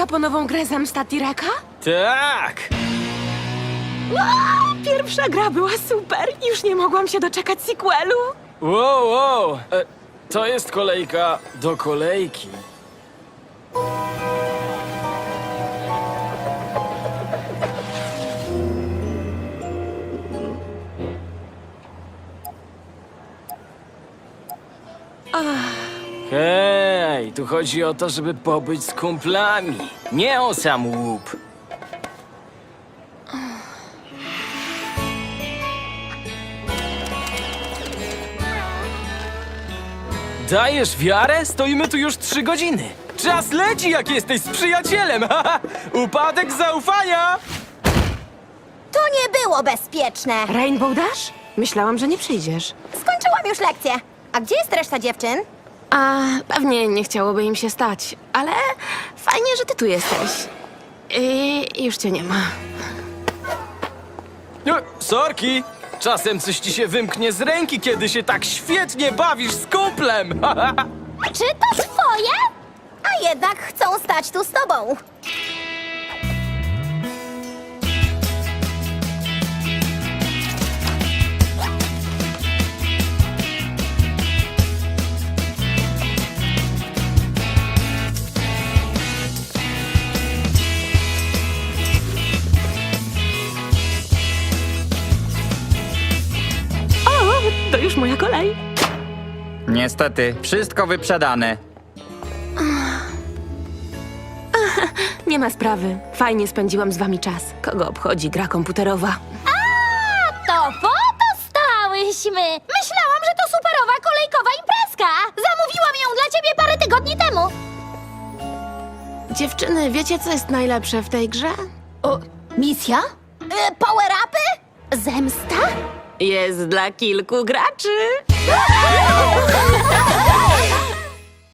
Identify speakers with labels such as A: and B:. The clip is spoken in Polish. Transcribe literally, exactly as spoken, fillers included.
A: kolejka po nową grę Zemsta T-Rexa?
B: Tak!
A: Pierwsza gra była super. Już nie mogłam się doczekać sequelu.
B: Wow, wow! E, to jest kolejka do kolejki. Hej, tu chodzi o to, żeby pobyć z kumplami, nie o sam łup. Dajesz wiarę? Stoimy tu już trzy godziny. Czas leci, jak jesteś z przyjacielem. haha. Upadek zaufania!
C: To nie było bezpieczne.
A: Rainbow Dash? Myślałam, że nie przyjdziesz.
C: Skończyłam już lekcję. A gdzie jest reszta dziewczyn?
A: A pewnie nie chciałoby im się stać, ale fajnie, że ty tu jesteś. I już cię nie ma.
B: No, sorki! Czasem coś ci się wymknie z ręki, kiedy się tak świetnie bawisz z kumplem. haha.
C: Czy to twoje? A jednak chcą stać tu z tobą.
A: O, to już moja kolej.
D: Niestety, wszystko wyprzedane.
A: Nie ma sprawy. Fajnie spędziłam z wami czas. Kogo obchodzi gra komputerowa?
C: A to po to stałyśmy. Myślałam, że to superowa kolejkowa imprezka. Zamówiłam ją dla ciebie parę tygodni temu.
A: Dziewczyny, wiecie, co jest najlepsze w tej grze?
C: O, misja? Y, power-upy? Zemsta?
A: Jest dla kilku graczy.